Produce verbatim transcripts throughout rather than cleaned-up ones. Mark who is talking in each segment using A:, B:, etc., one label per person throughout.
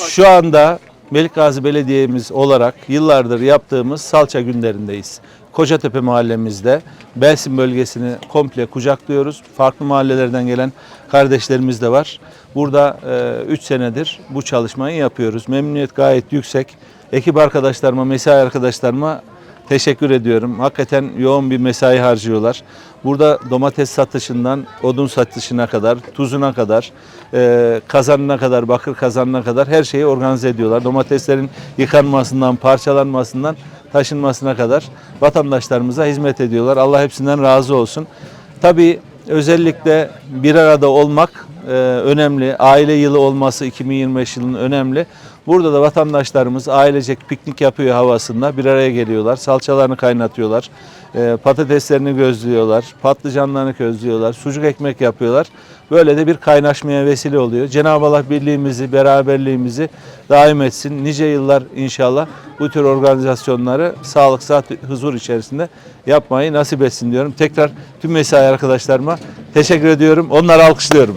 A: Şu anda Melikgazi Belediye'miz olarak yıllardır yaptığımız salça günlerindeyiz. Kocatepe mahallemizde Belsin bölgesini komple kucaklıyoruz. Farklı mahallelerden gelen kardeşlerimiz de var. Burada üç senedir bu çalışmayı yapıyoruz. Memnuniyet gayet yüksek. Ekip arkadaşlarıma, mesai arkadaşlarıma teşekkür ediyorum. Hakikaten yoğun bir mesai harcıyorlar. Burada domates satışından odun satışına kadar, tuzuna kadar, e, kazanına kadar, bakır kazanına kadar her şeyi organize ediyorlar. Domateslerin yıkanmasından, parçalanmasından, taşınmasına kadar vatandaşlarımıza hizmet ediyorlar. Allah hepsinden razı olsun. Tabii özellikle bir arada olmak e, önemli. Aile yılı olması iki bin yirmi beş yılının önemli. Burada da vatandaşlarımız ailecek piknik yapıyor havasında. Bir araya geliyorlar. Salçalarını kaynatıyorlar. E, patateslerini gözlüyorlar. Patlıcanlarını közlüyorlar. Sucuk ekmek yapıyorlar. Böyle de bir kaynaşmaya vesile oluyor. Cenab-ı Allah birliğimizi, beraberliğimizi daim etsin. Nice yıllar inşallah bu tür organizasyonları sağlık, sıhhat, huzur içerisinde yapmayı nasip etsin diyorum. Tekrar tüm mesai arkadaşlarıma teşekkür ediyorum. Onları alkışlıyorum.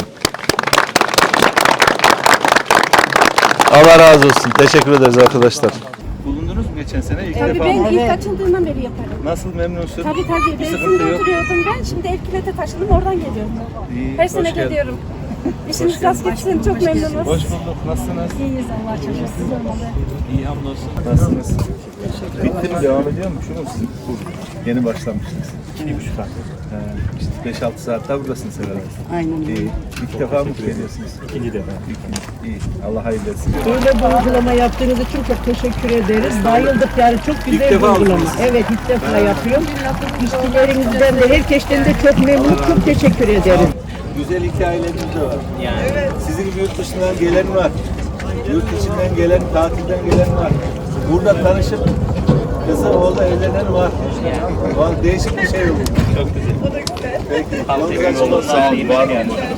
A: Allah razı olsun. Teşekkür ederiz arkadaşlar. Bulundunuz mu geçen sene? İlk
B: Tabii
A: defa
B: ben
A: mı?
B: ilk açıldığından beri yaparım.
A: Nasıl, memnunsun?
B: Tabii tabii.
A: Bir sıkıntı
B: Belsin'de
A: yok.
B: oturuyordum ben. Şimdi Elkilet'e taşındım. Oradan geliyorum.
A: İyi,
B: Her
A: hoş
B: sene
A: geldin.
B: geliyorum. İşiniz rast gitsin. Çok memnunuz.
A: Hoş bulduk. Nasılsınız?
B: İyiyiz Allah aşkına. Siz olmalı.
A: İyi, hamdolsun. Nasılsınız? Bitti mi? Devam ediyor mu? Şunu siz bu yeni başlamıştınız. İki buçuk ay. İşte beş altı saat daha buradasınız herhalde.
C: Aynen.
A: İyi. İlk defa mı geliyorsunuz? İkinci defa. İkinci. İyi. Allah hayırlı etsin.
C: Böyle bir uygulama yaptığınız için çok teşekkür ederiz. Bayıldık yani, çok güzel
A: İlk
C: bir
A: defa
C: uygulama.
A: mısınız?
C: Evet, ilk defa yapıyorum. İşçilerinizden de herkesten de çok memnun, çok teşekkür ederim.
A: Güzel hikayeleriniz de var. Yani. Evet. Sizin gibi yurt dışından gelen var. Yurt içinden gelen, tatilden gelen var. Burada tanışıp kızı oğlu evlenen var. Yani. Değişik bir şey oldu. Çok güzel. Peki. Sağ olun. Var mı?